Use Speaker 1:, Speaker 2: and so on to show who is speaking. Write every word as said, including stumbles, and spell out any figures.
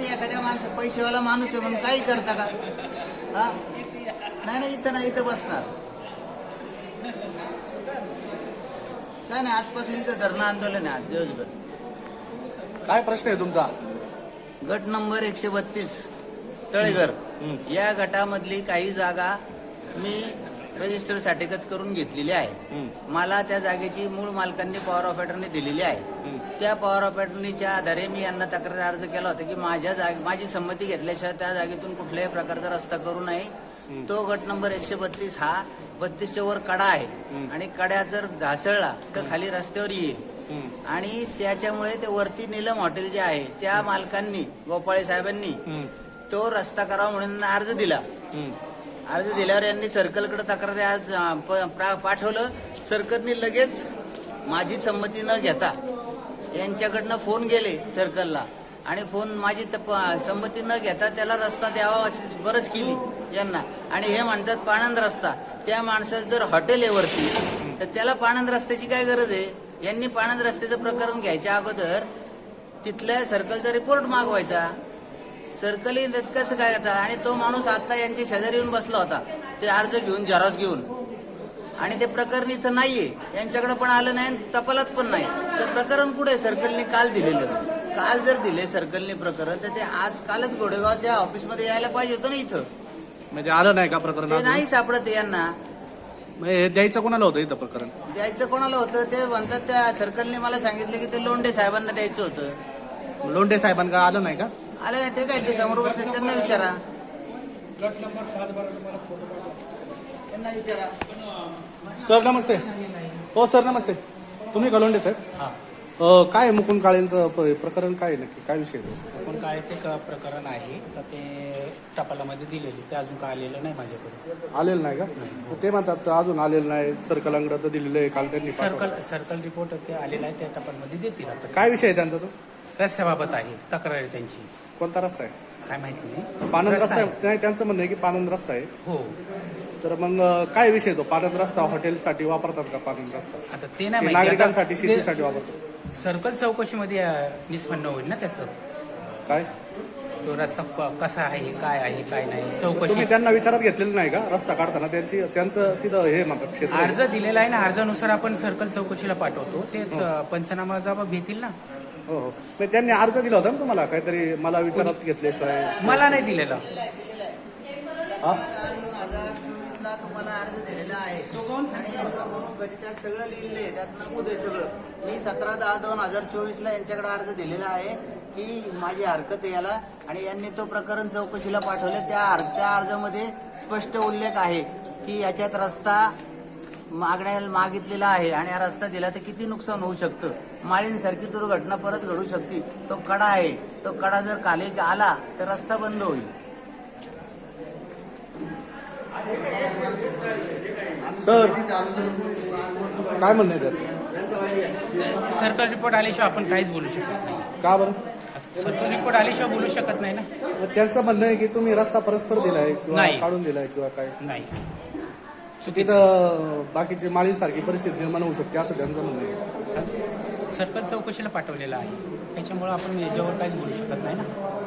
Speaker 1: एखाद्या माणसं पैसेवाला माणूस आहे म्हणून काही करता का? हा नाही नाही, इथं नाही, इथं बसणार काय नाही. आजपासून इथं धरणं आंदोलन आहे आज दिवसभर.
Speaker 2: काय प्रश्न आहे तुमचा?
Speaker 1: गट नंबर एकशे बत्तीस तळेघर या गटामधली काही जागा मी रजिस्टर साठेगत करून घेतलेली आहे. मला त्या जागेची मूळ मालकांनी पॉवर ऑफ अटर्नी दिलेली आहे. त्या पॉवर ऑफ अटर्नीच्या आधारे मी यांना तक्रार अर्ज केला होता की माझ्या जागे माझी संमती घेतल्याशिवाय त्या जागेतून कुठल्याही प्रकारचा रस्ता करू नये. तो गट नंबर एकशे बत्तीस हा बत्तीसच्या वर कडा आहे आणि कड्या जर घासळला तर खाली रस्त्यावर येईल आणि त्याच्यामुळे ते वरती नीलम हॉटेल जे आहे त्या मालकांनी गोपाळे साहेबांनी तो रस्ता करावा म्हणून अर्ज दिला. अर्ज दिल्यावर यांनी सर्कलकडे तक्रारी आज पाठवलं. सर्कलनी लगेच माझी संमती न घेता यांच्याकडनं फोन गेले सर्कलला आणि फोन माझी संमती न घेता त्याला रस्ता द्यावा अशी बरंच केली यांना. आणि हे म्हणतात पाणंद रस्ता. त्या माणसाचं जर हॉटेल आहे वरती तर त्याला पाणंद रस्त्याची काय गरज आहे? यांनी पाणंद रस्त्याचं प्रकरण घ्यायच्या अगोदर तिथल्या सर्कलचा रिपोर्ट मागवायचा. सर्कलही कसं काय करतात? आणि तो माणूस आता यांच्या शेजारी येऊन बसला होता ते अर्ज घेऊन झेरॉक्स घेऊन आणि ते प्रकरण इथं नाहीये. यांच्याकडे पण आलं नाही, तपालात पण नाही. तर प्रकरण कुठे सर्कलने काल दिलेलं? काल जर दिले सर्कलने प्रकरण तर ते आज कालच घोडेगावच्या ऑफिसमध्ये यायला पाहिजे होतं ना. इथं
Speaker 2: म्हणजे आलं नाही का प्रकरण?
Speaker 1: ते नाही सापडत यांना.
Speaker 2: हे द्यायचं कोणाला होतं इथं प्रकरण?
Speaker 1: द्यायचं कोणाला होतं ते म्हणतात त्या सर्कलने मला सांगितलं की ते लोंढे साहेबांना द्यायचं होतं.
Speaker 2: लोंढे साहेबांना आलं नाही का?
Speaker 1: आलं नाही ते काय? ते समोर बसले त्यांना विचारा. त्यांना विचारा.
Speaker 2: सर नमस्ते. हो सर नमस्ते. तुम्ही का लोंढे साहेब? काय मुकुंद काळेंचं प्रकरण काय नक्की काय विषय?
Speaker 3: मुकुंद काळेचं एक प्रकरण आहे तर ते टपालामध्ये दिलेले ते अजून काय आलेलं नाही माझ्याकडे.
Speaker 2: आलेलं नाही का? ते म्हणतात अजून आलेलं नाही. सर्कलांकडे तर दिलेलं आहे काल त्यांनी.
Speaker 3: सर्कल सर्कल रिपोर्ट ते आलेला आहे त्या टपालमध्ये देतील. आता
Speaker 2: काय विषय आहे त्यांचा? तो
Speaker 3: रस्त्याबाबत आहे तक्रार आहे त्यांची.
Speaker 2: कोणता रस्ता आहे?
Speaker 3: काय माहिती नाही.
Speaker 2: पानंद रस्ता आहे. नाही त्यांचं म्हणणं आहे की पानंद रस्ता आहे.
Speaker 3: हो.
Speaker 2: तर मग काय विषय तो? पानंद रस्ता हॉटेलसाठी वापरतात का? पानंद रस्ता
Speaker 3: आता ते नाही माहिती.
Speaker 2: नागरिकांसाठी शेतीसाठी वापरतात.
Speaker 3: सर्कल चौकशीमध्ये निष्पन्न होईल ना त्याचं.
Speaker 2: काय
Speaker 3: तो रस्ता कसा आहे काय आहे काय नाही चौकशी.
Speaker 2: तुम्ही त्यांना विचारात घेतलेलं नाही का रस्ता काढताना? त्यांची त्यांचं तिथं हे म्हणतात क्षेत्र.
Speaker 3: अर्ज दिलेला आहे ना. अर्जानुसार आपण सर्कल चौकशीला पाठवतो. तेच पंचनामा जबाब घेतील ना.
Speaker 2: हो हो. त्यांनी अर्ज दिला होता ना तुम्हाला काहीतरी? मला विचारात घेतले साहेब.
Speaker 3: मला नाही दिलेला.
Speaker 1: ला तुम्हाला अर्ज दिलेला आहे आणि तो गौण कधी त्यात सगळं लिहिलंय. त्यात नमूद आहे सगळं. मी सतरा दहा दोन हजार चोवीस ला यांच्याकडे अर्ज दिलेला आहे की माझी हरकत आहे याला आणि यांनी तो प्रकरण चौकशीला पाठवले. त्या त्या अर्जामध्ये स्पष्ट उल्लेख आहे की याच्यात रस्ता मागण्या मागितलेला आहे आणि हा रस्ता दिला तर किती नुकसान होऊ शकतं. माळींसारखी दुर्घटना परत घडू शकते. तो कडा आहे. तो कडा जर खाली आला तर रस्ता बंद होईल.
Speaker 2: सर काय म्हणणं आहे त्याचं?
Speaker 3: सर्कल रिपोर्ट आल्याशिवाय आपण काहीच बोलू शकत नाही.
Speaker 2: का बरं?
Speaker 3: सर्कल रिपोर्ट आल्याशिवाय बोलू शकत नाही ना.
Speaker 2: त्यांचं म्हणणं आहे की तुम्ही रस्ता परस्पर दिलाय किंवा
Speaker 3: नाही.
Speaker 2: काढून दिलाय किंवा काय
Speaker 3: नाही.
Speaker 2: तिथं बाकीची माळींसारखी परिस्थिती निर्माण होऊ शकते असं त्यांचं म्हणणं आहे.
Speaker 3: सर्कल चौकशीला पाठवलेलं आहे त्याच्यामुळे आपण याच्यावर काहीच बोलू शकत नाही ना.